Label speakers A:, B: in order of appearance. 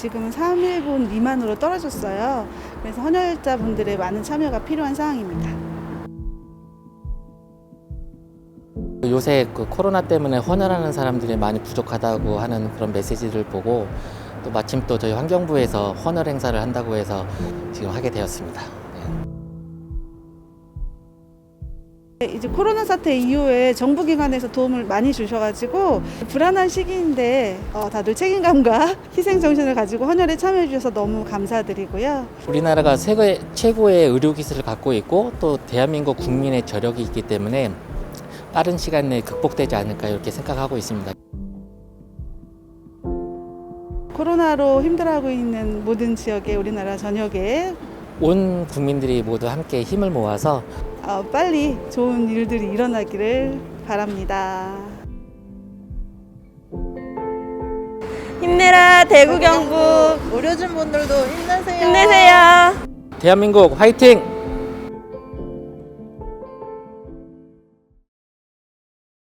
A: 지금은 3일분 미만으로 떨어졌어요. 그래서 헌혈자분들의 많은 참여가 필요한 상황입니다.
B: 요새 그 코로나 때문에 헌혈하는 사람들이 많이 부족하다고 하는 그런 메시지를 보고 또 마침 또 저희 환경부에서 헌혈 행사를 한다고 해서 지금 하게 되었습니다.
A: 이제 코로나 사태 이후에 정부기관에서 도움을 많이 주셔가지고 불안한 시기인데 다들 책임감과 희생정신을 가지고 헌혈에 참여해 주셔서 너무 감사드리고요.
B: 우리나라가 세계 최고의 의료기술을 갖고 있고 또 대한민국 국민의 저력이 있기 때문에 빠른 시간 내에 극복되지 않을까 이렇게 생각하고 있습니다.
A: 코로나로 힘들어하고 있는 모든 지역에 우리나라 전역에
B: 온 국민들이 모두 함께 힘을 모아서
A: 빨리 좋은 일들이 일어나기를 바랍니다.
C: 힘내라 대구 경북
D: 의료진 분들도 힘내세요.
C: 힘내세요.
B: 대한민국 화이팅!